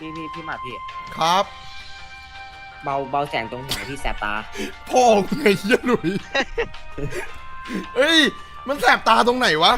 พี่หมาพี่ครับเบาแสงตรงหัวพี่แสบตาพ่อมึงไงเหี้ยหลุยเฮ้ยมันแสบตาตรงไหนวะ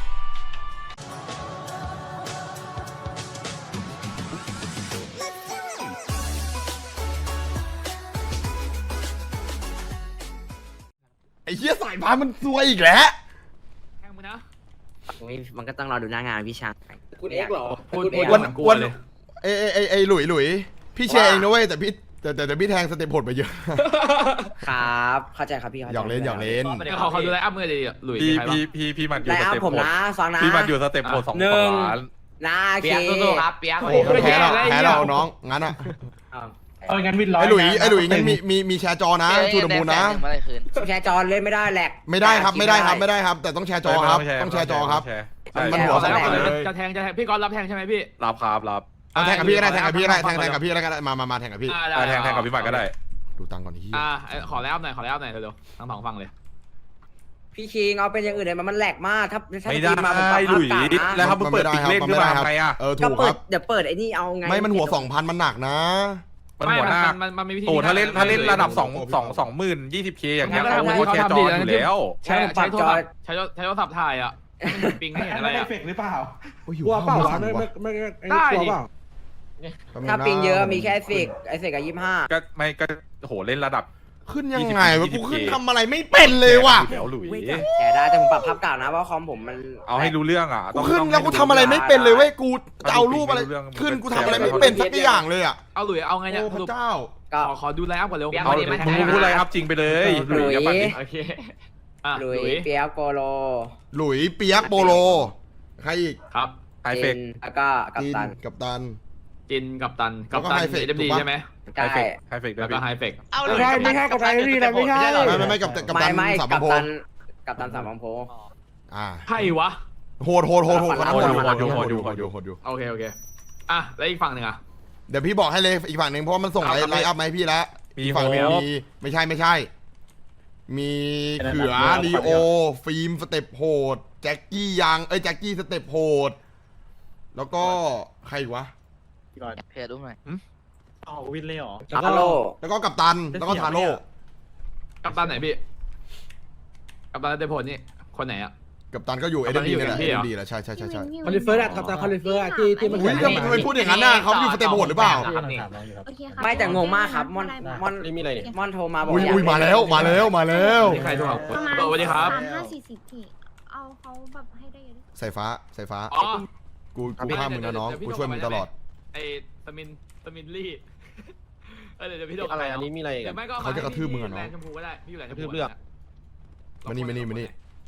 ไอ้เหี้ยสายพานมันซวยอีกแล้วแทงมึงนะมันก็ต้องรอดูหน้างานพี่ชางคุณเอ็กซ์เหรอพูดคุณเอ็กซ์วันกลัวเลยไอ้หลุยพี่แชร์เองนะเว้ยแต่พี่แต่พี่แทงสเต็ปโหดไปเยอะครับเข้าใจครับพี่หยอกเล่นเดี๋ยวเขาดูไลน์อัพมือเลยหลุยพี่มันอยู่ไลสน์อัพเต็ปผมโหดนะฟังนะพี่มันอยู่สเต็ปโหด2 ล้านนะโอเคเปียกสู้ๆครับเปียกโอ้โหแพ้เราน้องงั้นอ่ะงั้นวินร้อยไอ้หลุยงั้นมีแชร์จอนะชูดมูลนะแชร์จอเล่นไม่ได้แหลกไม่ได้ครับ แต่ต้องแชร์จอครับต้องแชร์จอครับ มันหัวแชสร์องพันเลยจะแทงพี่กอล์ฟรับแทงใช่ไหมพี่รับครับรับแทงกับพี่ก็ได้แทงกับพี่ก็ได้แทงกับพี่ก็ได้มาแทงกับพี่แทงกับพี่มันก็ได้ดูตังก่อนที่ขอไลน์อัพหน่อยเร็วๆทั้งสองฝั่งเลยพี่คิงเอาเป็นอย่างอื่นเลยมันแหลกมากถ้าไม่ได้มาผมปรับหลุยภาพกาดแล้วนะถ้ามึงเปิดติ๊กเล่นขึ้นมาทำไงอ่ะถูก็กเปิครัดบเดี๋ยวเปิดไอ้นี่เอาไงไม่มันหัว 2,000 มันหนักนะมันหัวหน้ามันมีวิธีโอ้ถ้าเล่นระดับ20,000 20K อย่างเงี้ยเขาก็แชร์จออยู่แล้วใช้โทรศัพท์ถ่ายอ่ะปิงไม่เห็นอะอะไร ไรเออ่ะฟเฟกต์หรือเปล่าโอ้ยอยู่กลัวเปล่าข้างวะบนไม่ไอ้ได้กลัวดิเปล่าถ้าปิงเยอะมีแค่ไอเฟกกับ25 ก็ไม่ก็โหเล่นระดับขึ้นยังไงวะกูขึ้นทำอะไรไม่เป็นเลยว่ะแล้วหลุยแชร์ได้แต่ผมปรับภาพเก่านะเพราะคอมผมมันเอาให้รู้เรื่องอ่ะกูขึ้นแล้วกูทำอะไรไม่เป็นเลยเว้ยกูจะเอารูปอะไรขึ้นกูทำอะไรไม่เป็นสักอย่างเลยอ่ะเอาหลุยเอาไงเนี่ยโอ้พระเจ้าก็ขอดูไลน์อัพก่อนเร็วเอามึงพูดอะไรครับจริงไปเลยหลุยกับปัดดิโอเคหลุยเปียกโปโลหลุยเปียกโปโลใครอีกครับไฮเฟกจินแล้วก็กัปตันกับตันจินกับตันแล้วก็ไฮเฟกเอ็มดีถูกปะใช่ไหมใช่ไฮเฟกด้วแล้ยวก็พี่ไฮเฟกไม่ใช่กับไทยนี่นะไม่ใช่ไม่กับตันไม่สามกัปโพตันสามพันโพใช่วะโหดโหดโอยู่โอเคแล้วอีกฝั่งหนึ่งอ่ะเดี๋ยวพี่บอกให้เลยอีกฝั่งหนึ่งเพราะว่ามันส่งไลน์อัพมาให้พี่แล้วมีอีกโฮฝั่งหนึงมีไม่ใช่ มีเขือลีโอฟิล์มสเต็ปโหดแจ็คกี้ยังแจ็คกี้สเต็ปโหดแล้วก็ใครอีกวะเพจดูหน่อยอ๋อวินเลยเหรอทาโร่แล้วก็กัปตันแล้วก็ทาโร่กัปตันไหนพี่กัปตันเดโพนี่คนไหนอ่ะกัปตันก็อยู่กัปตัน AMD อยู่นี่แหละ AMD เหรอ AMD แหละใช่คอลิเฟอร์อะกับตาคอลิเฟอร์อะที่มันอุ้ยทำไมพูดอย่างนั้นน่ะเขาอยู่สเต็ปโหดหรือเปล่าโอเคค่ะไม่แต่งงมากครับมอนมีอะไรเนี่ยมอนโทรมาบอกอุ้ยมาแล้วนี่ใครโทรหาประมาณสวัสดีครับ 50-40พี่เอาเขาแบบให้ได้เยอะที่สุดสายฟ้าอ๋อกูข้ามมึงนะน้องกูช่วยมึงตลอดไอ้สมินลี่เดี๋ยวพี่โดนอะไรอันนี้มีอะไรเดี๋ยวไม่ก็เขาจะกระทืบมึงอะเนาะแลนด์ชมพูก็ได้พี่อยู่แลนด์ชมกระทืพูบเลือกมานี่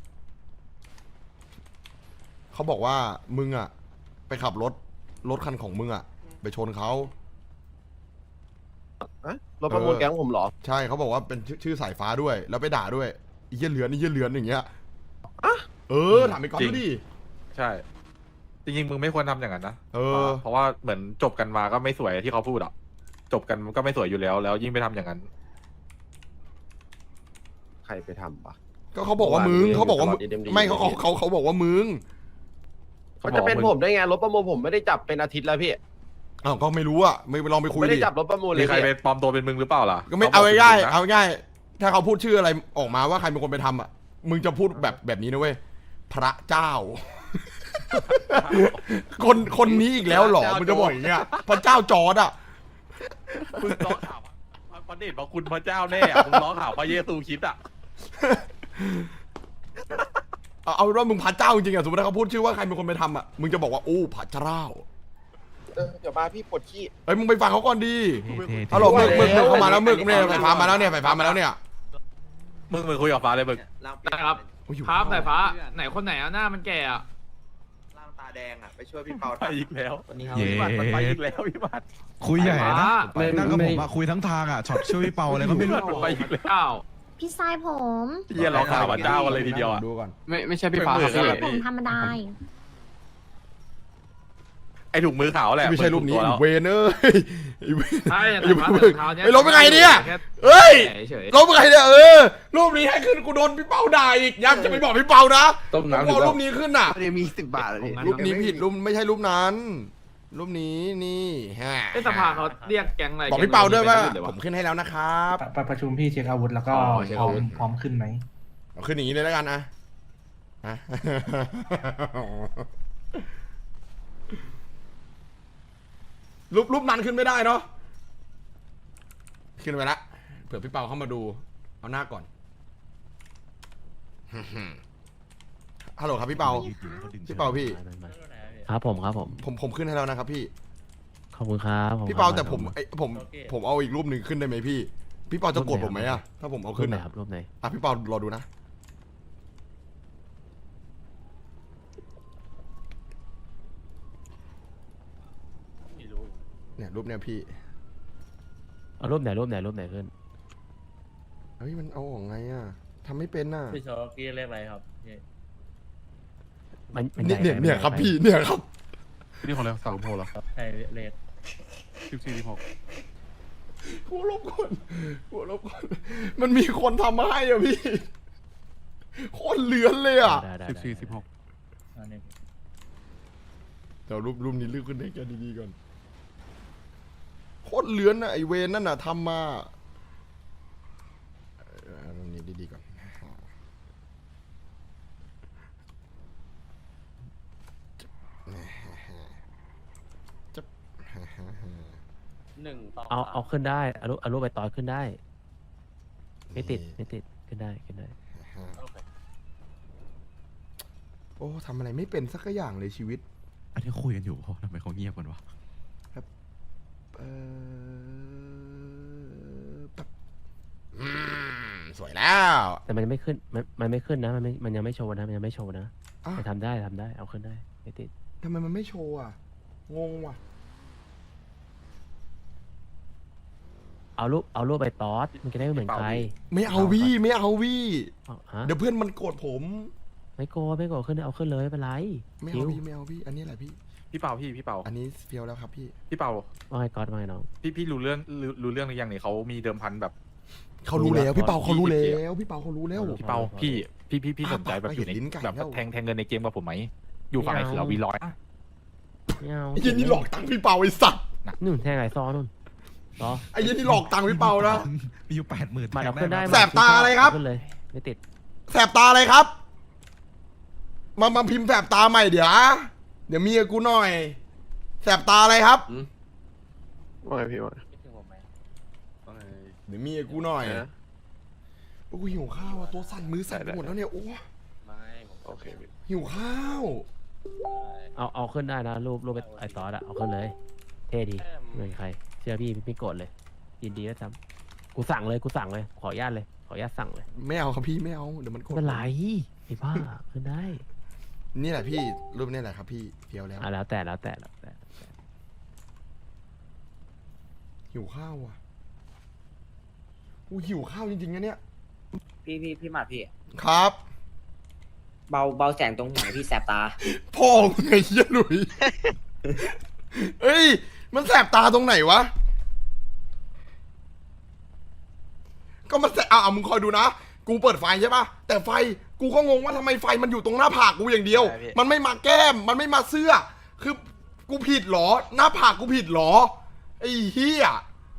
เขาบอกว่ามึงอ่ะไปขับรถคันของมึงอ่ะไปชนเขารถประมูลแก๊งผมเหรอใช่เขาบอกว่าเป็นชื่อสายฟ้าด้วย แล้วไปด่าด้วยไอ้เหี้ยเหลือนอย่างเงี้ยถามไปก่อนดูดิใช่จริงๆมึงไม่ควรทำอย่างนั้นนะ เพราะว่าเหมือนจบกันมาก็ไม่สวยที่เขาพูดอ่ะจบกันก็ไม่สวยอยู่แล้วแล้วยิ่งไปทำอย่างนั้นใครไปทำปะก็เขาบอกว่ามึงเขาบอกว่ามึงไม่เขาบอกว่ามึงมันจะเป็นผมได้ไงรถประมูลผมไม่ได้จับเป็นอาทิตย์แล้วพี่อ้าวก็ไม่รู้อ่ะไม่ลองไปคุยไม่ได้ดิจับรถประมูลเลมียใครไปปลอมตัวเป็นมึงหรือเปล่าล่ะก็ไม่เอาง่ายถ้าเขาพูดชื่ออะไรออกมาว่าใครเป็นคนไปทำอ่ะมึงจะพูดแบบนี้นะเว้ยพระเจ้า คนนี้อีกแล้วเหรอมึงจะบอกอย่างเงี้ยพระเจ้าจอร์ดอ่ะมึงร้องข่าวพระเดชพระคุณพระเจ้าแน่มึงร้องข่าวพระเยซูคริสต์อ่ะเอาว่ามึงพระเจ้าจริงๆอ่ะสมมติถ้าเขาพูดชื่อว่าใครเป็นคนไปทำอ่ะมึงจะบอกว่าโอ้พระเจ้าเดี๋ยวมาพี่ปวดขี้เอ้ยมึงไปฟังเขาก่อนดีฮัลโหลมึกเข้ามาแล้วมึกเนี่ยไฟฟ้ามาแล้วเนี่ยมึงคุยกับฟ้าเลยมึงนะครับครับสายฟ้าไหนคนไหนอ่ะหน้ามันแก่อ่ะร่างตาแดงอ่ะไปช่วยพี่เปาไปอีกแล้วเย้พี่บัตรมันไปอีกแล้วพี่บัตรคุยใหญ่นะไม่นั่งกับผมอะคุยทั้งทางอะช็อตช่วยพี่เปาอะไรก็ไม่รู้มันไปอีกแล้วอ้าวพี่ทรายผมเยี่ยร้องข่าวพระเจ้ากันเลยทีเดียวอ่ะดูก่อนไม่ใช่พี่ฟ้าครับทราพี่ยผมธรรมดาไอถุงมือขาวแหละไม่ใช่รูปนี้แล้วเวนเอ้ยใช่ไอ้ลบเป็นไงเนี่ยเฮ้ยลบเป็นไงเนี่ยรูปนี้ให้ขึ้นกูโดนพี่เปาด่าอีกยังจะไปบอกพี่เปานะบอกรูปนี้ขึ้นน่ะเดี๋ยวมี10 บาทเลยรูปนี้ผิดรูปไม่ใช่รูปนั้น รูปนี้นี่ฮะไอ้สภาเขาเรียกแก๊งอะไรบอกพี่เปาด้วยว่าเดี๋ผมขึ้นให้แล้วนะครับประชุมพี่เช็คอาวุธแล้วก็อ๋อเช็คอาวุธพร้อมขึ้นไหมเอาขึ้นอย่างนี้เลยแล้วกันนะฮะ รูปนั้นขึ้นไม่ได้เนาะขึ้นไปละเผื่อพี่เปาเข้ามาดูเอาหน้าก่อน ฮัลโหลครับพี่เปา พี่เปาพี่ครับผมครับผมผมขึ้นให้แล้วนะครับพี่ขอบคุณครับพี่เปาแต่ผมเอาอีกรูปหนึ่งขึ้นได้ไหมพี่ พี่เปาจะโกรธผมไหมอะถ้าผมเอารูขึ้ปนไหนอะครับรูปไหนอ่ะพี่เปารอดูนะเนี่ยรูปเนี่ยพี่เอารูปไหนรูปไหนรูปไหนขึ้นเฮ้ยมันเอาออกไงอะทำไม่เป็นน่ะพี่โชกี้เลขอะไรครับพี่มันเนี่ยครับพี่เนี่ยครับนี่ของแล้วสาวโพลใช่เลข 14 หัวลบคนมันมีคนทำมาให้อะพี่โคตรเลือนเลยอะได้ 16 อันนี้เดี๋ยวรูปนี้ลืมขึ้นให้แกดีๆก่อนโคตรเลือนอะไอเวนนั่นน่ะทำมารูปนี้ดีๆก่อนจะเอาขึ้นได้เอารูปไปต่อขึ้นได้ ไม่ติดขึ้นได้โอ้ทำอะไรไม่เป็นสักอย่างเลยชีวิตอันนี้คุยกันอยู่เพราะทำไมเขาเงียบกันวะแบบสวยแล้วแต่มันยังไม่ขึ้นมันไม่ขึ้นนะมันยังไม่โชว์นะมันยังไม่โชว์นะอ่ะแต่ทำได้เอาขึ้นได้ไม่ติดทำไมมันไม่โชว์อ่ะงงว่ะเอารูปไปตอสมันจะได้ไม่เหมือนใครไม่เอาวี่ไม่เอาวี่เอาฮะเดี๋ยวเพื่อนมันโกรธผมไม่โกรธขึ้นเอาขึ้นเลยไม่เป็นไรไม่คิเอาววี่ไม่เอาวี่อันนี้แหละพี่พี่เปาพี่เปาอันนี้เฟี้ยวแล้วครับพี่พี่เปาว่าไงก๊อตว่าไงน้องพี่รู้เรื่องหรือยังเนี่ยเขามีเดิมพันแบบเขารู้แล้วพี่เปาเขารู้แล้วพี่เปาเขารู้แล้วพี่เปาพี่สนใจแบบอยู่ในเห็นลิ้นไก่แบบแล้วแทงเงินในเกมกับผมไหมอยู่ฝั่งไอ้เขือวีร้อยไม่เอาไอ้เหี้ยันนี่หลอกตังค์พี่เปาไอ้สัตว์นู่นแทงไอ้ซอนู่นซอไอ้เหี้ยันนี่หลอกตังค์พี่เปานะมีอยู่80,000 มาเอาขึ้นได้แสบตาอะไรครับขึ้นเลยไม่ติดแสบตาอะไรครับมาพิมพ์แสบตาใหม่เดี๋ยวมีกับกูหน่อยแสบตาอะไรครับว่าไงพี่ว่าเดี๋ยวมีกับกูหน่อยโอ้ยหิวข้าวอ่ะตัวสั่นมือสั่นไปหมดแล้วเนี่ยโอ้โอเคพี่หิวข้าวเอาขึ้นได้นะรูปไอ้ซอสอะเอาขึ้นเลย เท่ดีเหมือนใครเชื่อพี่ไม่โกรธเลยยินดีด้วยซ้ำกูสั่งเลยขออนุญาตสั่งเลยไม่เอาครับพี่ไม่เอาเดี๋ยวมันโกรธไม่เป็นไรไอ้บ้าขึ้นได้นี่แหละพี่รูปนี่แหละครับพี่เฟี้ยวแล้วแล้วแต่หิวข้าวอ่ะอู้หิวข้าวจริงๆนะเนี่ยพี่หมาพี่ครับเบาแสงตรงหัวพี่แสบตาพ่อมึงไงเหี้ยหลุย เอ้ยมันแสบตาตรงไหนวะก็มันแสบมึงคอยดูนะกูเปิดไฟใช่ปะแต่ไฟกูก็งงว่าทำไมไฟมันอยู่ตรงหน้าผากกูอย่างเดียว มันไม่มาแก้มมันไม่มาเสื้อ คือกูผิดเหรอ หน้าผากกูผิดเหรอไอ้เหี้ย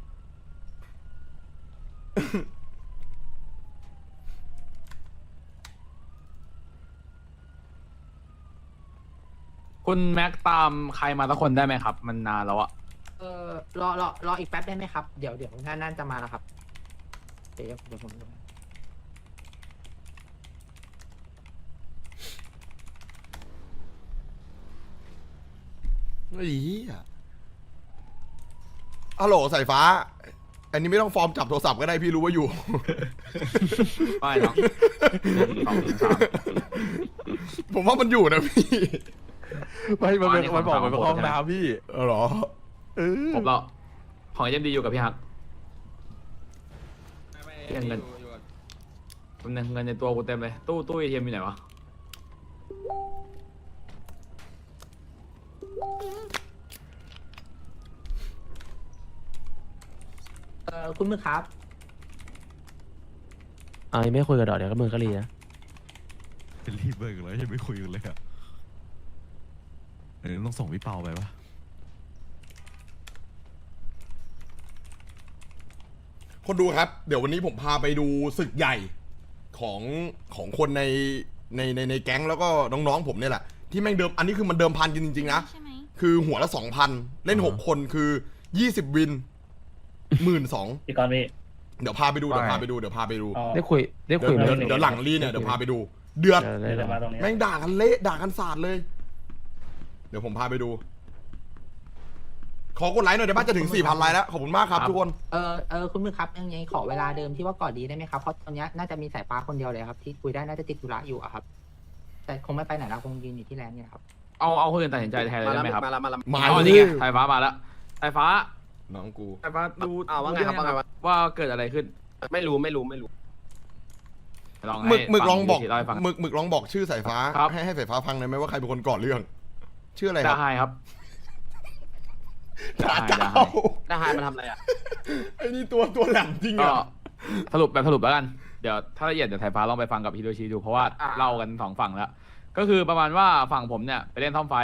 คุณแม็กตามใครมาสักคนได้ไหมครับ มันนานแล้วอะรออีกแป๊บได้ไหมครับ เดี๋ยวน่าจะมาแล้วครับ เดี๋ยวผมไอ้เหี้ยฮัลโหลสายฟ้า อันนี้ไม่ต้องฟอร์มจับโทรศัพท์ก็ได้พี่รู้ว่าอยู่ไม่หรอกผมว่ามันอยู่นะพี่มันบอกมันเป็นห้องน้ำพี่เหรอผมเราของยังดีอยู่กับพี่ฮักเงินเงินในตัวกูเต็มเลยตู้เอทีเอ็มอยู่ไหนวะคุณมือครับยังไม่คุยกับดอกเดี๋ยวก็มือก็รีนะเป็นรีบเบิกแล้วยังไม่คุยกันเลยอ่ะต้องส่งพี่เปาไปปะคนดูครับ เดี๋ยววันนี้ผมพาไปดูศึกใหญ่ของคนในแก๊งแล้วก็น้องๆผมเนี่ยแหละ ที่แม่งเดิม อันนี้คือมันเดิมพันกันจริงๆนะใช่ไหมคือหัวละ 2,000 เล่น 6 คนคือ 20 วิน 12,000 พี่กรณ์พี่เดี๋ยวพาไปดูว่าไงเดี๋ยวพาไปดูอ๋อได้คุยเดี๋ยวไหมเดี๋ยวหลังรีเนี่ยเดี๋ยวพาไปดู เดือดได้เดี๋ยวมาตรงนี้แม่งด่ากันเละด่ากันสาดเลย เดี๋ยวผมพาไปดู ขอกดไลค์หน่อยเดี๋ยวบ้านจะถึง 4,000 ไลค์แล้วขอบคุณมากครับทุกคนคุณมือครับยังไงขอเวลาเดิมที่ว่าก่อนดีได้ไหมครับเพราะตอนนี้น่าจะมีสายฟ้าคนเดียวเลยครับที่คุยได้น่าจะติดธุระอยู่อะครับ แต่คงไม่ไปไหนแล้วคงยืนอยู่ที่แลนด์เนี่ยครับเอาคนอื่นตัดสินใจแทนเลยได้ไหมครับมาแล้วมาอ๋อเลนี่ยไงสายฟ้ามาแล้วสายฟ้าน้องกูสายฟ้าดูว่าไงครับว่าไงวะว่าเกิดอะไรขึ้นไม่รู้ลองหมึกให้หมึกลองบอกเล่าให้ฟังหมึกลองบอกชื่อสายฟ้าครับให้สายฟ้าฟังหน่อยไหมว่าใครเป็นคนก่อเรื่อง ชื่ออะไรคดารับไฮครับด่าได้เจ้าได้หายมาทำอะไรอ่ะไอ้นี่ตัวแหลมจริงก็อ่ะสรุปแล้วกัน เดี๋ยวถ้าละเอียดเดี๋ยวสายฟ้าลองไปฟังกับฮิโรชิดูเพราะว่าเล่ากัน2 ฝั่งแล้ว ก็คือประมาณว่าฝั่งผมเนี่ยไปเล่นท่อมไฟ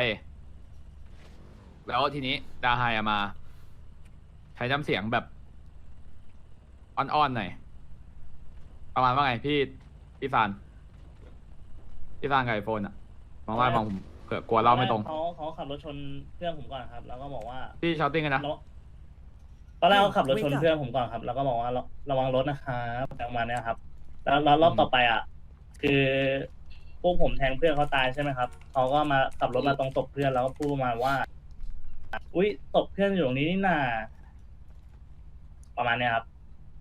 แล้วทีนี้ดาไฮมา ใช้น้ำเสียงแบบอ่อนๆหน่อยประมาณว่าไงพี่ซานกับไอโฟนอะมองว่าฟังผมเผื่อกลัวเล่าไม่ตรงเขาขับรถชนเพื่อนผมก่อนครับ แล้วก็บอกว่าพี่ชาวติ้งกันนะตอนแรกเขาขับรถชนเพื่อนผมก่อนครับ แล้วก็บอกว่าระวังรถนะครับประมาณเนี้ยครับ แล้วรอบต่อไปอ่ะ คือพวกผมแทงเพื่อนเขาตายใช่ไหมครับเขาก็มาขับรถมาตรงศพเพื่อนแล้วก็พูดประมาณว่า อุ๊ยศพเพื่อนอยู่ตรงนี้นี่นาประมาณเนี้ยครับ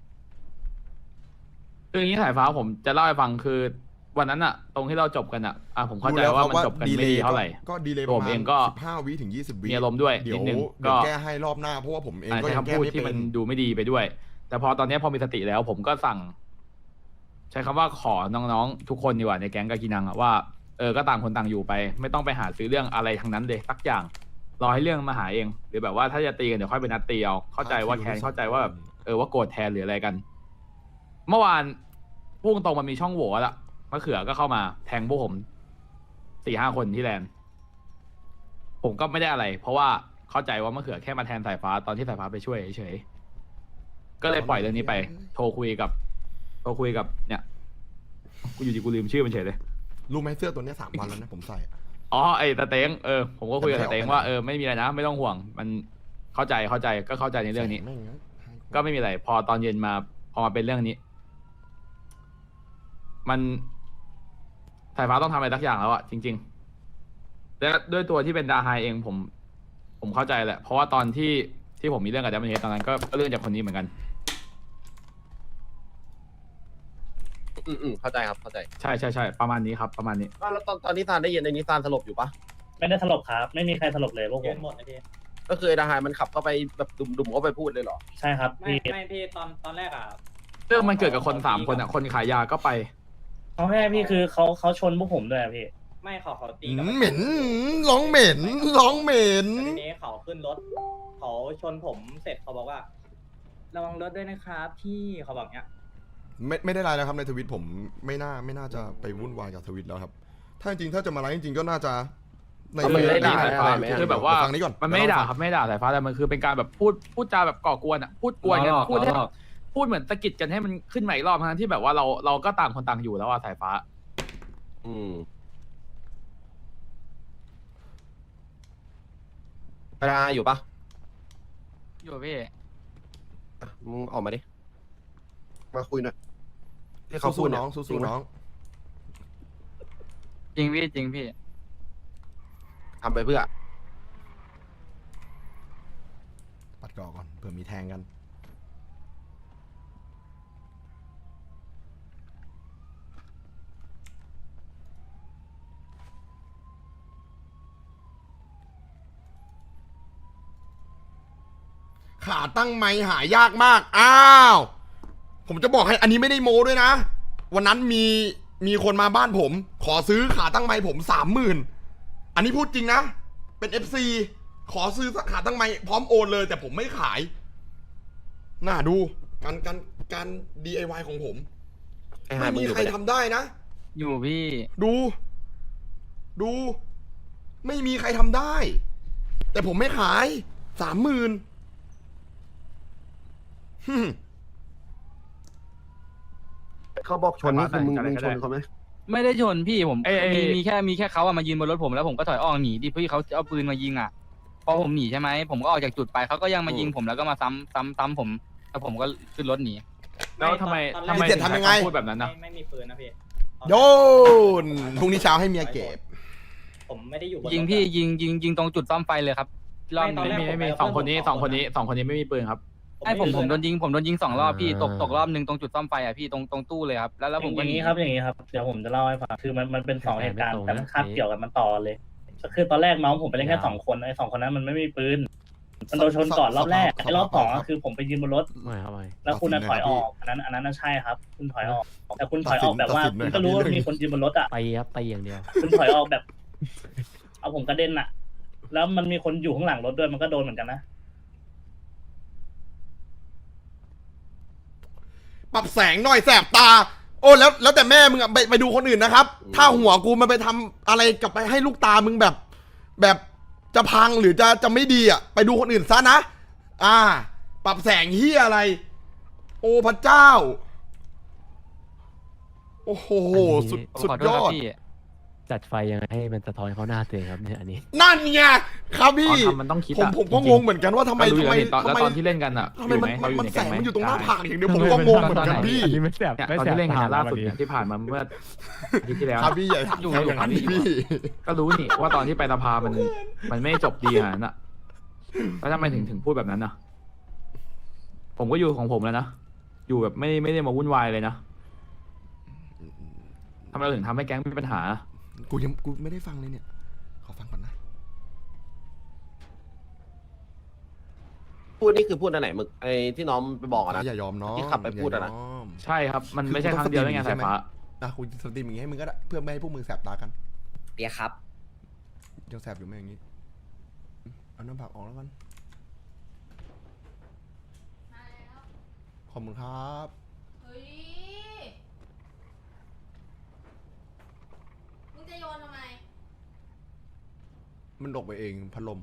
คืออย่างนี้สายฟ้าผมจะเล่าให้ฟังคือวันนั้นอะตรงที่เราจบกันอะผมเข้าใจว่ามันจบกันไม่ดีเท่าไหร่ก็ดีเลยปผระมมาเอณงก็ 15 วิถึง 20 วิมีอารมณ์ด้วยเดี๋ยวนิดนึงเดี๋ยวก็แก้ให้รอบหน้าเพราะว่าผมเองก็ใช้ยังคำแก้พูดไม่ที่เป็มัน นดูไม่ดีไปด้วย แต่พอตอนนี้พอมีสติแล้วผมก็สั่ง ใช้คำว่าขอน้องๆทุกคนดีกว่าในแก๊งกากินังอะว่าก็ต่างคนต่างอยู่ไป ไม่ต้องไปหาซื้อเรื่องอะไรทั้งนั้นเลยสักอย่างรอให้เรื่องมาหาเอง หรือแบบว่าถ้าจะตีกันเดี๋ยวค่อยไปนัดตีเอาเข้าใจว่าแคนเข้าใจว่าแบบว่าโกรธแทนหรืออะไรกัน เมื่อวานพุ่งตรงมันมีช่องโหว่ละมะเขือก็เข้ามาแทงพวกผม 4-5 คนที่แลนด์ผมก็ไม่ได้อะไร เพราะว่าเข้าใจว่ามะเขือแค่มาแทนสายฟ้าตอนที่สายฟ้าไปช่วยเฉยๆก็เลยปล่อยเรื่องนี้ไป โทรคุยกับเนี่ยกูอยู่ดีกูลืมชื่อมันเฉยเลยรู้ไหมเสื้อตัวเนี้ย3 วันแล้วนะผมใส่อะอ๋อไอ้ตาเต็งผมก็คุยกับตาเต็งว่าไม่มีอะไรนะ ไม่ต้องห่วง มันเข้าใจก็เข้าใจในเรื่องนี้แม่งนะก็ไม่มีอะไร พอตอนเย็นมาพอมาเป็นเรื่องนี้ มันสายฟ้าต้องทำอะไรสักอย่างแล้วอะจริงๆและด้วยตัวที่เป็นดาไฮเองผมเข้าใจแหละ เพราะว่าตอนที่ผมมีเรื่องกับดัมเบิลเฮดตอนนั้นก็เรื่องจากคนนี้เหมือนกันเข้าใจครับเข้าใจใช่ประมาณนี้ครับประมาณนี้แล้วตอนที่ซานได้ยินในนี้ซานสลบอยู่ปะไม่ได้สลบครับ ไม่มีใครสลบเลยพวกผมก็คือไอ้ดาหายมันขับเข้าไปแบบดุมๆเข้าไปพูดเลยเหรอใช่ครับพี่ไม่พี่ตอนแรกอ่ะเรื่องมันเกิดกับคน3 คนอะคนขายยาก็ไปเขาแค่พี่คือเขาชนพวกผมด้วยอะพี่ไม่เขาตีเหม็นร้องเหม็นร้องเหม็นทีนี้เขาขึ้นรถเขาชนผมเสร็จเขาบอกว่า ระวังรถด้วยนะครับพี่เขาบอกเนี้ยไม่ได้ไลน์แล้วครับในทวิตผมไม่น่าจะไปวุ่นวายกับทวิตแล้วครับ ถ้าจริงๆถ้าจะมาไลฟ์จริงๆก็น่าจะในมันไม่ได้ด่าสายฟ้าอะไรไหมคือแบบว่าฟังนี้ก่อนมันไม่ได้ด่าครับไม่ได้ด่าสายฟ้าแต่มันคือเป็นการแบบพูดจาแบบก่อกวนอ่ะพูดกวนกันพูดเหมือนตะกิดกันให้มันขึ้นใหม่อีกรอบทั้งที่แบบว่าเราก็ต่างคนต่างอยู่แล้วอ่ะสายฟ้าเวลาอยู่ปะอยู่พี่มึงออกมาดิ มาคุยหน่อยที่เขาพูสู้ดๆเยน้องจริสู้ไหมๆน้องจริงพี่ทำไปเพื่อปัดก่อก่อนเผื่อมีแทงกันขาตั้งไม้หายากมากอ้าวผมจะบอกให้อันนี้ไม่ได้โม้ด้วยนะ วันนั้นมีคนมาบ้านผม ขอซื้อขาตั้งไม้ผม 30,000 อันนี้พูดจริงนะ เป็น FC ขอซื้อขาตั้งไม้พร้อมโอนเลย แต่ผมไม่ขาย น่าดูการ DIY ของผมไอ้หายไม่มึงมีอยู่ใครปะเนี่ยทำได้นะอยู่พี่ดู ไม่มีใครทำได้ แต่ผมไม่ขาย 30,000 เขาบอกชนนี่คือมึงชนเขาไหมไม่ได้ชนพี่ผมเอ้ยมีแค่เขาอะมายืนบนรถผมแล้วผมก็ถอยออกหนีดิพี่เขาเอาปืนมายิงอะพอผมหนีใช่ไหมผมก็ออกจากจุดไปเขาก็ยังมายิงผมแล้วก็มาซ้ำผมแล้วผมก็ขึ้นรถหนีแล้วทำไมทำไมทำยังไงพูดแบบนั้นนะไม่มีปืนนะพี่โยนพรุ่งนี้เช้าให้เมียเก็บผมไม่ได้อยู่บนยิงรถพี่อะยิงตรงจุดซ่อมไฟเลยครับรอบไม่ตอนแรนี้กไม่มีสองคนนี้ไม่มีปืนครับให้ผมไโดนยิงสองรอบพี่ตกรอบหนึ่งตรงจุดซ่อมไฟอะพี่ตรงตู้เลยครับแล้วผมก็อย่างนี้ครับอย่างนี้ครับเดี๋ยวผมจะเล่าให้ฟังคือมันเป็นสองเหตุการณ์ไม่ตรงนะแต่มันคาบเกี่ยวกันมันต่อเลยก็คือตอนแรกน้องผมไปเล่นแค่2 คนไอ้2 คนนั้นมันไม่มีปืนมันโดนชนก่อนรอบแรกไอ้รอบ2ก็คือผมไปยืนบนรถไม่ครับไม่แล้วคุณน่ะถอยออกอันนั้นน่ะใช่ครับ คุณถอยออกแต่คุณถอยออกแบบว่าคุณก็รู้ว่ามีคนยืนบนรถอ่ะตีครับตีอย่างเดียวคุณถอยออกแบบ เอาผมกระเด็นอ่ะ แล้วมันมีคนอยู่ข้างหลังรถด้วยมันก็โดนเหมือนกันนะปรับแสงหน่อยแสบตา โอ้แล้วแต่แม่มึงอะไปดูคนอื่นนะครับ ถ้าหัวกูมันไปทำอะไรกับไปให้ลูกตามึงแบบจะพังหรือจะไม่ดีอ่ะไปดูคนอื่นซะนะ ปรับแสงเฮียอะไร โอ้พระเจ้า โอ้โหสุดผมสุดขอโทยษอครับดพี่จัดไฟยังไงให้มันสะท้อนเข้าหน้าตัวเองครับเนี่ยอันนี้นั่นไงครับพี่ตอนทำมันต้องคิดอะผมก็จริงๆงงเหมือนกันว่าทำไมก็รู้อยู่ทำไมแล้วนี่ตอนแล้วตอนที่เล่นกันอ่ะทำไมอยู่มันไหเราอยู่มันในแสแก๊งงไหมมันอยู่ตรงหน้าได้ผากอย่างเดียวผมก็งงเหมือนกันพี่อันนี้ไม่แสบเนี่ยไม่ตอนแสบที่เล่นกันตาล่าสุดวันเนี่ยนี้ที่ผ่านมาเมื่ออาทิตย์ที่แล้วครับพี่ใหญ่อยู่ทำอย่างนั้นอยู่พี่ก็รู้นี่ว่าตอนที่ไปสภามันไม่จบดีขนาดนั้นอ่ะแล้วทำไมถึงพูดแบบนั้นนะผมก็อยู่ของผมแล้วนะอยู่แบบไม่ได้มาวุ่นวายเลยนะทำไมเราถึงทำให้แก๊งมีปัญหากูไม่ได้ฟังเลยเนี่ย ขอฟังก่อนนะพูดนี่คือพูดอันไหนมึงไอ้ที่น้องไปบอกอะนะอย่ายอมน้องที่ขับไปพูดอะนะย่ายอมใช่ครับ มันไม่ใช่ครั้งเดียวได้ไงสายฟ้านะกูสตรีมอย่างงี้ให้มึงก็ได้เพื่อไม่ให้พวกมึงแสบตากันเปียครับยังแสบอยู่ไหมอย่างงี้เอาน้ำผักออกแล้วกันขอบคุณครับเฮ้ย มึงจะโยนทำไมมันตกไปเองพัดลม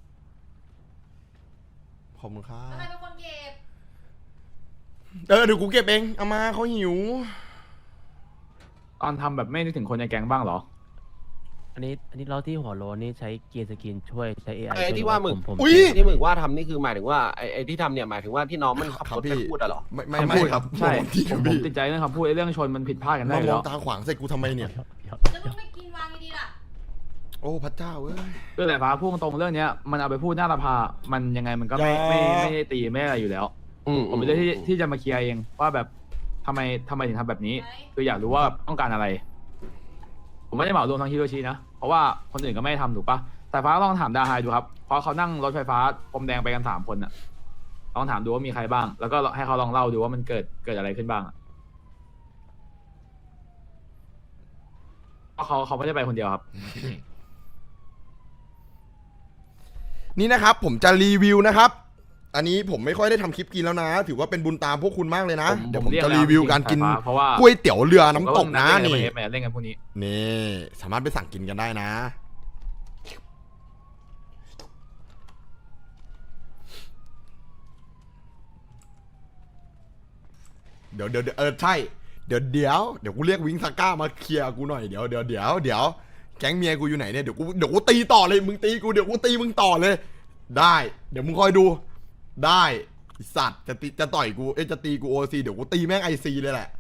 ขอบคุณครัแล้วบใครเป็นคนเก็บเดี๋ยวกูเก็บเองเอามาเขาหิวตอนทำแบบไม่นึกถึงคนในแก๊งบ้างเหรออันนี้เราที่หัวโลนนี่ใช้เกียร์สกินช่วยใช้ AI ไอ้ที่ว่ามึงผมอุ๊ยที่มึงว่าทำนี่คือหมายถึงว่าไอ้ที่ทำเนี่ยหมายถึงว่าที่น้องมันขับรถไปพูดอะเหรอไม่คำพูดครับใช่ที่ผมพี่ติดใจเรื่องคำพูดไอ้เรื่องชนมันผิดพลาดกันได้มาอยู่มอแล้งวตาขวางใส่กูทำไมเนี่ยแล้วมึงไม่กินวางดีๆล่ะโอ้พระเจ้าเอ้ยเรื่องสายฟ้าพูดตรงๆเรื่องเนี้ยมันเอาไปพูดหน้าสภามันยังไงมันก็ไม่ได้ตีไม่อะไรอยู่แล้ว ผมเป็นเรื่องที่จะมาเคลียร์เองว่าแบบทำไมถึงทำแบบนี้ คืออยากรู้ว่าต้องการอะไร ผมไม่ได้เหมารวมทั้งฮิโรชินะเพราะว่าคนอื่นก็ไม่ได้ทำถูกปะสายฟ้าลองถามดาไฮดูครับเพราะเขานั่งรถไฟฟ้าพรมแดงไปกัน3 คนอะลองถามดูว่ามีใครบ้าง แล้วก็ให้เขาลองเล่าดูว่ามันเกิดอะไรขึ้นบ้างอะเพราะเขาไม่ได้ไปคนเดียวครับนี่นะครับผมจะรีวิวนะครับ อันนี้ผมไม่ค่อยได้ทำคลิปกินแล้วนะ ถือว่าเป็นบุญตามพวกคุณมากเลยนะ เดี๋ยวผมจะรีวิวการกินเพราะว่าก๋วยเตี๋ยวเรือน้ำตกนะผมนี่ก็เล่นกันพวกนี้นี่สามารถไปสั่งกินกันได้นะ เดี๋ยวใช่ เดี๋ยวกูเรียกวิงซาก้ามาเคลียร์กูหน่อยเดี๋ยวแก๊งเมียกูอยู่ไหนเนี่ยเดี๋ยวกูตีต่อเลยมึงตีกูเดี๋ยวกูตีมึงต่อเลย ได้ เดี๋ยวมึงคอยดูได้ไอ้สัตว์จะต่อยกูจะตีกูโอซีเดี๋ยวกูตีแม่งไอซีเลยแหละ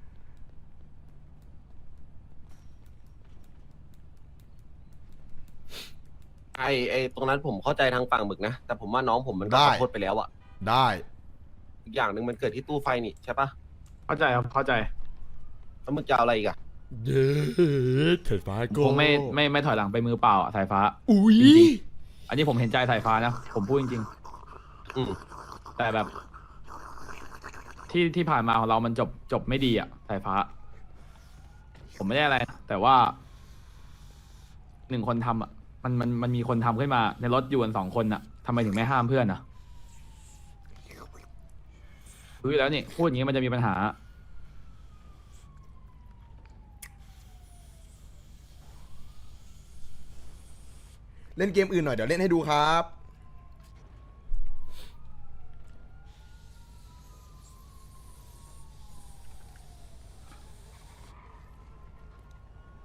ไอ้ตรงนั้นผมเข้าใจทางฝั่งมึกนะ แต่ผมว่าน้องผมมันก็ได้ขอโทษไปแล้วอะได้อีกอย่างหนึ่งมันเกิดที่ตู้ไฟนี่ใช่ปะเข้าใจครับเข้าใจแล้วมึงจะเอาอะไรอีกอะเย้เถิดฟ้าโกคงไม่ถอยหลังไปมือเปล่าอะสายฟ้าอุ้ยจริง อันนี้ผมเห็นใจสายฟ้านะผมพูดจริงอืมๆแต่แบบที่ผ่านมาของเรามันจบไม่ดีอ่ะสายฟ้า ผมไม่ได้อะไรนะแต่ว่า1 คนทำอ่ะมันมีคนทำขึ้นมาในรถอยู่กัน2 คนอ่ะทำไมถึงไม่ห้ามเพื่อนอ่ะรู้อยู่แล้วนี่พูดอย่างนี้มันจะมีปัญหาเล่นเกมอื่นหน่อยเดี๋ยวเล่นให้ดูครับ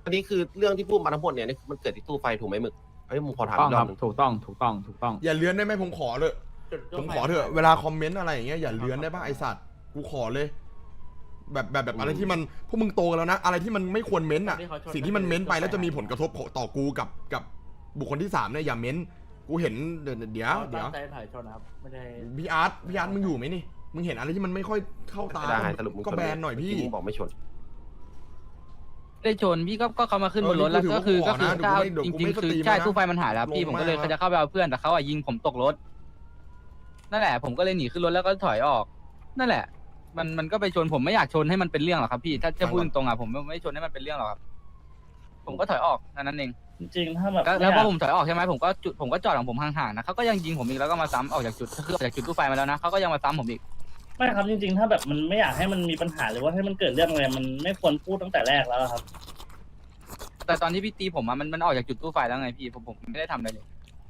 อันนี้คือเรื่องที่พูดมาทั้งหมดเนี่ยนี่มันเกิดที่ตู้ไฟถูกไหมหมึกไอ้ยมึงขอถามต้ออีงกรคอรับบ นึงถูกต้องถูกต้องถูกต้องอย่าเลื้อนได้ไหมผมขอเลยผมขอเถอะเวลาคอมเมนต์อะไรอย่างเงี้ยอย่าเลื้อนได้ป่ะไอสัตว์กูขอเลย แบบอะไรที่มันพวกมึงโตกันแล้วนะ อะไรที่มันไม่ควรเม้นต์อ่ะสิ่งที่มันเม้นต์ไปแล้วจะมีผลกระทบต่อกูกับบุคคลที่3เนี่ยอย่าเม้นต์กูเห็นเดี๋ยวพี่อาร์ตมึงอยู่ไหมนี่มึงเห็นอะไรที่มันไม่ค่อยเข้าตาได้สรุปมึงก็แบนหน่อยพี่มึงบอกไม่ชนได้ชนพี่ก็เขามาขึ้นบนรถแล้วก็คือถ้าเอาจริงๆคือใช่ตู้ไฟมันหายแล้วพี่ผมก็เลยจะเข้าไปเอาเพื่อนแต่เขายิงผมตกรถนั่นแหละผมก็เลยหนีขึ้นรถแล้วก็ถอยออกนั่นแหละ มันก็ไปชนผมไม่อยากชนให้มันเป็นเรื่องหรอกครับพี่ถ้าจะพูดตรงๆผมไม่ชนให้มันเป็นเรื่องหรอกครับผมก็ถอยออกนั่นเองจริงๆถ้าแบบแล้วพอผมถอยออกใช่ไหมผมก็จอดของผมห่างๆนะเขาก็ยังยิงผมอีกแล้วก็มาซ้ำออกจากจุดคือออกจากจุดตู้ไฟมาแล้วนะเขาก็ยังมาซ้ำผมอีกไม่ครับจริงๆ ถ้าแบบมันไม่อยากให้มันมีปัญหาหรือว่าให้มันเกิดเรื่องอะไรมันไม่ควรพูดตั้งแต่แรกแล้วครับแต่ตอนที่พี่ตีผมมันออกจากจุดตู้ไฟแล้วไงพี่ผมไม่ได้ทำอะไรเลย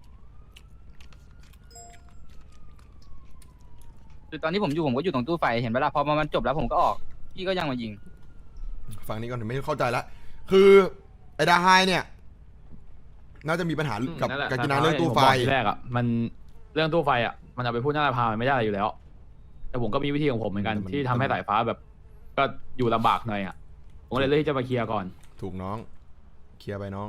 คือตอนที่ผมก็อยู่ตรงตู้ไฟเห็นเวลาพอมันจบแล้วผมก็ออกพี่ก็ยังมายิงฟังนี้ก่อนไม่เข้าใจละคือไอ้ดาไฮเนี่ยน่าจะมีปัญหากับนั่นแหละกากินังเรื่องตู้ไฟผมบอกทีแรกอ่ะมันเรื่องตู้ไฟอ่ะมันเอาไปพูดหน้าสภามันไม่ได้อะไรอยู่แล้ว แต่ผมก็มีวิธีของผมเหมือนกันที่ทำให้สายฟ้าแบบ ก็อยู่ลำบากหน่อยอ่ะผมก็เลยเลือกที่จะมาเคลียร์ก่อนถูกน้องเคลียร์ไปน้อง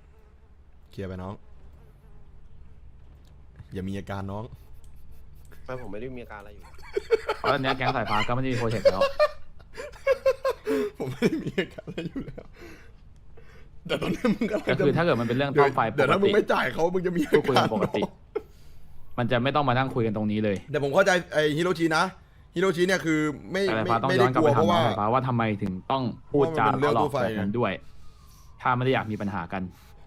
อย่ามีอาการน้องไม่ผมไม่ได้มีอาการอะไรอยู่เพราะตอนนี้แก๊งสายฟ้าก็ไม่ได้มีโปรเจกต์แล้วผมไม่ได้มีอาการอะไรอยู่แล้วแต่ตอนนี้มึงก็ก็คือถ้าเกิดมันเป็นเรื่องต้อมไฟปเดี๋ยวกถ้ามึติงไม่จ่ายเขามึงจะมีอาก็คุยกากัรนปกติ มันจะไม่ต้องมานั่งคุยกันตรงนี้เลยแต่ผมเข้าใจไอ้ฮิโรชินะฮิโรชิเนี่ยคือไม่แต่สายไม่ฟ้าต้องไม่ย้ได้อนกลับกลัไปวเพถามราะน้อว่างสายฟ้าว่าทำไมถึงต้องพูดจาเพราะว่ามันเป็นเรื่องหลอตู้กไฟแบบนั้นด้วย ถ้าไม่ได้อยากมีปัญหากัน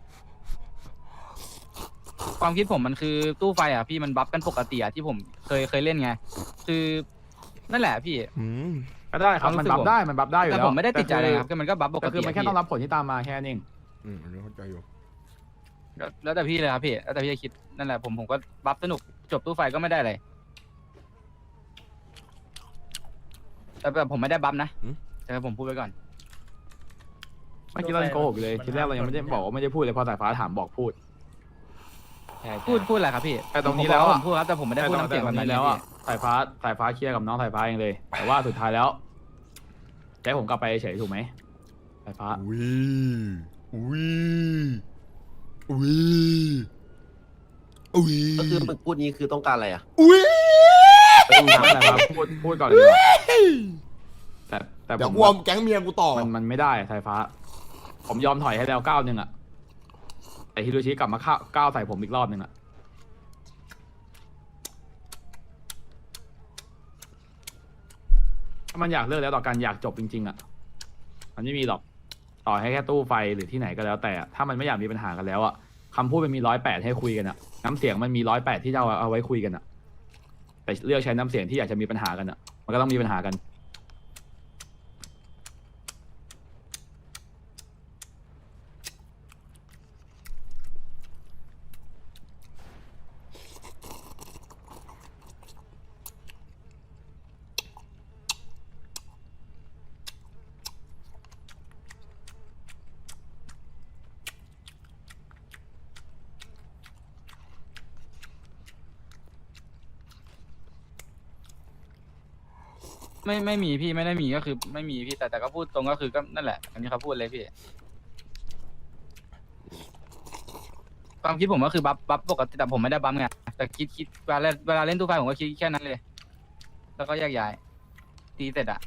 ความคิดผมมันคือตู้ไฟอ่ะพี่มันบัฟกันปกติอ่ะที่ผมเคยเล่นไงคือนั่นแหละพี่ก็ได้ครับมันบัฟได้อยู่แต่แล้วผมไม่ได้ติดใจอะไรครับก็มันก็บัฟปกก็ติคือมันแค่ต้องรับผลที่ตามมาแค่นั้นเองอันนี้เข้าใจอยู่แล้วแต่พี่เลยครับพี่แล้วแต่พี่จะคิดนั่นแหละผมก็บัฟสนุกจบตู้ไฟก็ไม่ได้อะไรแต่แบบผมไม่ได้บัฟนะแต่ผมพูดไว้ก่อนเมื่อกี้เรายังโกหกอยู่เลยทีแรกเรายังไม่ได้บอกว่าไม่ได้พูดเลยพอสายฟ้าถามบอกพูดพูดอะไรครับพี่แต่ตรงนี้แล้วอะผมพูดครับแต่ผมไม่ได้พูดน้ำเสียงแบบนั้นแล้วพี่อ่ะสายฟ้าเคลียร์กับน้องสายฟ้าเองเลย แต่ว่าสุดท้ายแล้วจะให้ผมกลับไปเฉยถูกไหมสายฟ้าก็คือมึงพูดนี้คือต้องการอะไรอ่ะไม่ทำอะไรครับพูดก่อนเลยดีกว่าแต่เดี๋ยผวมกลัวแก๊งเมียกูต่อมันไม่ได้สายฟ้า ผมยอมถอยให้แล้วก้าวหนึ่งอ่ะแต่ฮิโรชิกลับมาก้าวใส่ผมอีกรอบหนึ่งอ่ะถ้ามันอยากเลิกแล้วต่อกันอยากจบจริงๆอ่ะมันไม่มีหรอกต่อให้แค่ตู้ไฟหรือที่ไหนก็แล้วแต่ถ้ามันไม่อยากมีปัญหากันแล้วอ่ะคำพูดมันมี108ให้คุยกันอ่ะน้ำเสียงมันมี108ที่จะเอาไว้คุยกันอ่ะแต่เลือกใช้น้ำเสียงที่อยากจะมีปัญหากันอ่ะมันก็ต้องมีปัญหากันไม่มีพี่ไม่ได้มีก็คือไม่มีพี่แต่ก็พูดตรงก็คือก็นั่นแหละอันนี้เขาพูดเลยพี่ความคิดผมก็คือบัฟปกติแต่ผมไม่ได้บัฟไงแต่คิดเวลาเล่นตู้ไฟผมก็คิดแค่นั้นเลย แล้วก็แยกย้ายตีเสร็จอะ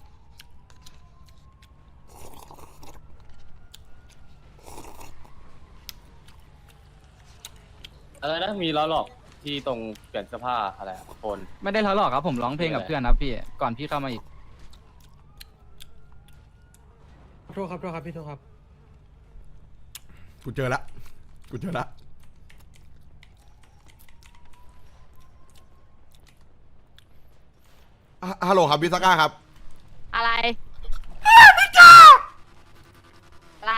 อะไรนะมีล้อหลอกที่ตรงเปลี่ยนเสื้อผ้าอะไรคนไม่ได้ทะเลาะครับผมร้องเพลงกับเพื่อนครับพี่ก่อนพี่เข้ามาอีกโทษครับพี่โทษครับกูเจอละฮัลโหลครับบิสก้าครับอะไรอะไร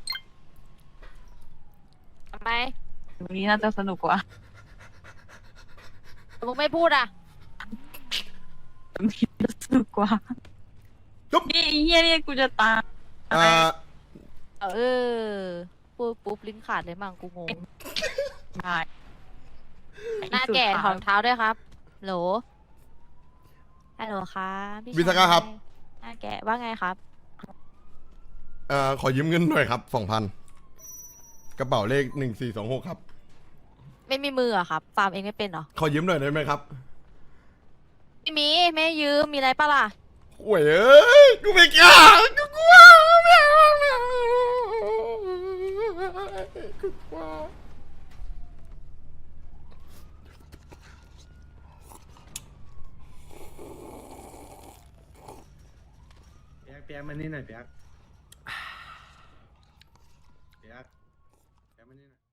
ทำไมตรงนี้น่าจะสนุกกว่ามึงไม่พูดอ่ะตรงนี้สนุกกว่าจุ๊บนี่ไอ้เฮียนี่กูจะตายเออพูดปุ๊บลิ้นขาดเลยมั่งกูงงได้หน้าแก่ถอดรองเท้าด้วยครับโหลฮัลโหลครับพี่วิศกะครับหน้าแก่ว่าไงครับขอยืมเงินหน่อยครับ2,000กระเป๋าเลข1426ครับไม่มีมือเหรอะครับฟาร์มเองไม่เป็นเหรอขอยืมหน่อยได้ไหมครับไม่มีไม่ยืมมีอะไรปะล่ะโอ้ยเอ้ยกูไม่กล้ากูกลัวไม่เอาไม่เอากูกลัวเปียกมานี่หน่อยเปียก